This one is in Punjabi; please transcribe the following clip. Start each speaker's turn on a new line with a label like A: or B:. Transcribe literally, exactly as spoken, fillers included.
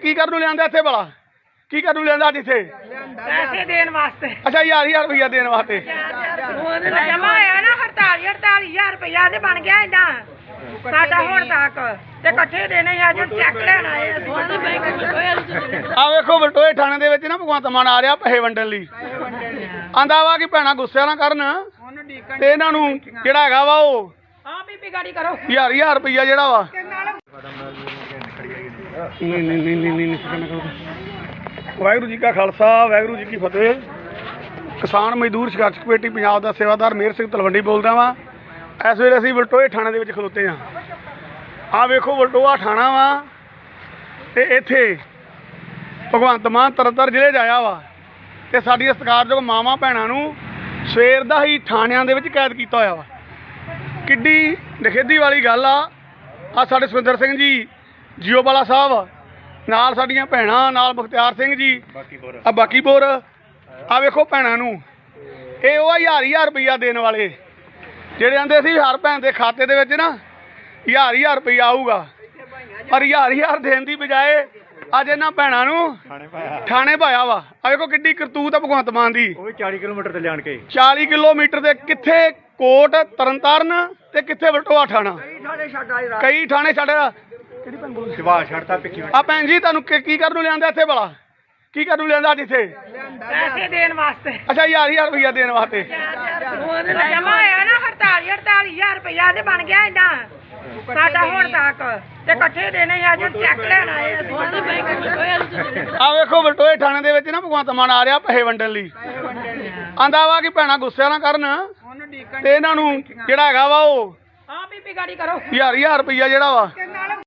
A: ਕੀ ਕਰਨ ਨੂੰ ਲਿਆਂਦਾ ਇੱਥੇ ਭਲਾ? ਕੀ ਕਰਨ ਨੂੰ ਲਿਆਂਦਾ ਅੱਜ ਇੱਥੇ?
B: ਪੈਸੇ ਦੇਣ ਵਾਸਤੇ।
A: ਅੱਛਾ ਹਜ਼ਾਰ ਹਜ਼ਾਰ ਰੁਪਈਆ ਦੇਣ ਵਾਸਤੇ।
B: ਜਮਾ ਹੋਇਆ ਨਾ ਅੜਤਾਲੀ ਅੜਤਾਲੀ ਹਜ਼ਾਰ ਰੁਪਇਆ ਤੇ ਬਣ ਗਿਆ ਏਦਾਂ ਸਾਡਾ ਹੁਣ ਤੱਕ ਤੇ ਇਕੱਠੇ ਦੇਣੇ ਆ ਜੋ ਚੈੱਕ ਲੈਣ ਆਏ ਅਸੀਂ।
A: ਆ ਵੇਖੋ ਬਲਟੋਏ ਥਾਣੇ ਦੇ ਵਿੱਚ ਨਾ ਭਗਵੰਤ ਮਾਨ ਆ ਰਿਹਾ ਪੈਸੇ ਵੰਡਣ ਲਈ। ਆਂਦਾ ਵਾ ਕਿ ਭੈਣਾਂ ਗੁੱਸੇ ਨਾ ਕਰਨ ਤੇ ਇਹਨਾਂ ਨੂੰ ਜਿਹੜਾ ਹੈਗਾ ਵਾ ਉਹ
B: ਹਾਂ ਬੀਬੀ ਗਾੜੀ ਕਰੋ
A: ਹਜ਼ਾਰ ਹਜ਼ਾਰ ਰੁਪਈਆ ਜਿਹੜਾ ਵਾ ਨਹੀਂ ਨਹੀਂ ਨਹੀਂ ਨਹੀਂ ਨਹੀਂ ਵਾਹਿਗੁਰੂ ਜੀ ਕਾ ਖਾਲਸਾ ਵਾਹਿਗੁਰੂ ਜੀ ਕੀ ਫਤਿਹ। ਕਿਸਾਨ ਮਜ਼ਦੂਰ ਸੰਘਰਸ਼ ਕਮੇਟੀ ਪੰਜਾਬ ਦਾ ਸੇਵਾਦਾਰ ਮੇਹਰ ਸਿੰਘ ਤਲਵੰਡੀ ਬੋਲਦਾ ਵਾਂ। ਇਸ ਵੇਲੇ ਅਸੀਂ ਬਲਟੋਏ ਥਾਣੇ ਦੇ ਵਿੱਚ ਖਲੋਤੇ ਹਾਂ। ਆਹ ਵੇਖੋ ਬਲਟੋਆ ਥਾਣਾ ਵਾ ਤੇ ਇੱਥੇ ਭਗਵੰਤ ਮਾਨ ਤਰਨਤਾਰਨ ਜ਼ਿਲ੍ਹੇ 'ਚ ਆਇਆ ਵਾ ਤੇ ਸਾਡੀਆਂ ਸਤਿਕਾਰਯੋਗ ਮਾਵਾਂ ਭੈਣਾਂ ਨੂੰ ਸਵੇਰ ਦਾ ਹੀ ਥਾਣਿਆਂ ਦੇ ਵਿੱਚ ਕੈਦ ਕੀਤਾ ਹੋਇਆ ਵਾ। ਕਿੱਡੀ ਨਖੇਦੀ ਵਾਲੀ ਗੱਲ ਆ। ਆ ਸਾਡੇ ਸੁਖਿੰਦਰ ਸਿੰਘ ਜੀ ਜੀਓਵਾਲਾ ਸਾਹਿਬ ਨਾਲ, ਸਾਡੀਆਂ ਭੈਣਾਂ ਨਾਲ, ਮੁਖਤਿਆਰ ਸਿੰਘ ਜੀ ਆ ਬਾਕੀਪੁਰ। ਆ ਵੇਖੋ ਭੈਣਾਂ ਨੂੰ, ਇਹ ਉਹ ਹਜ਼ਾਰ ਹਜ਼ਾਰ ਰੁਪਈਆ ਦੇਣ ਵਾਲੇ ਜਿਹੜੇ ਆਂਦੇ ਸੀ ਹਰ ਭੈਣ ਦੇ ਖਾਤੇ ਦੇ ਵਿੱਚ ਨਾ ਹਜ਼ਾਰ ਹਜ਼ਾਰ ਰੁਪਈਆ ਆਊਗਾ, ਪਰ ਹਜ਼ਾਰ ਹਜ਼ਾਰ ਦੇਣ ਦੀ ਬਜਾਏ ਅੱਜ ਇਹਨਾਂ ਭੈਣਾਂ ਨੂੰ ਥਾਣੇ ਪਾਇਆ ਵਾ। ਆ ਵੇਖੋ ਕਿੱਡੀ ਕਰਤੂਤ ਆ ਭਗਵੰਤ ਮਾਨ ਦੀ।
C: ਉਹ ਵੀ ਚਾਲੀ ਕਿਲੋਮੀਟਰ ਤੇ ਲਿਆਣ ਕੇ
A: ਚਾਲੀ ਕਿਲੋਮੀਟਰ ਦੇ ਕਿੱਥੇ ਕੋਟ ਤਰਨਤਾਰਨ ਤੇ ਕਿੱਥੇ ਬਲਟੋਆ ਥਾਣਾ। ਕਈ ਥਾਣੇ ਛੱਡ ਕਿਹੜੀ ਭੈਣ ਬੋਲ
C: ਸ਼ਿਵਾ ਛੱਡਤਾ ਪਿੱਛੇ।
A: ਆ ਭੈਣ ਜੀ ਤੁਹਾਨੂੰ ਕੀ ਕਰਨ ਨੂੰ ਲਿਆਂਦਾ ਇੱਥੇ ਭਲਾ? ਕੀ ਕਰਨ ਨੂੰ ਲਿਆਂਦਾ ਅੱਜ ਇੱਥੇ?
B: ਪੈਸੇ ਦੇਣ ਵਾਸਤੇ।
A: ਅੱਛਾ ਹਜ਼ਾਰ ਹਜ਼ਾਰ ਰੁਪਈਆ ਦੇਣ ਵਾਸਤੇ।
B: ਜਮਾ ਹੋਇਆ ਨਾ ਅੜਤਾਲੀ ਅੜਤਾਲੀ ਹਜ਼ਾਰ ਰੁਪਇਆ ਤੇ ਬਣ ਗਿਆ ਏਦਾਂ ਸਾਡਾ ਹੁਣ ਤੱਕ ਤੇ ਇਕੱਠੇ ਦੇਣੇ ਆ ਜੋ ਚੈੱਕ ਲੈਣ ਆਏ ਅਸੀਂ।
A: ਆ ਵੇਖੋ ਬਲਟੋਏ ਥਾਣੇ ਦੇ ਵਿੱਚ ਨਾ ਭਗਵੰਤ ਮਾਨ ਆ ਰਿਹਾ ਪੈਸੇ ਵੰਡਣ ਲਈ। ਆਂਦਾ ਵਾ ਕਿ ਭੈਣਾਂ ਗੁੱਸੇ ਨਾ ਕਰਨ ਤੇ ਇਹਨਾਂ ਨੂੰ ਜਿਹੜਾ ਹੈਗਾ ਵਾ ਉਹ
B: ਹਾਂ ਬੀਬੀ ਗਾੜੀ ਕਰੋ
A: ਹਜ਼ਾਰ ਹਜ਼ਾਰ ਰੁਪਈਆ ਜਿਹੜਾ ਵਾ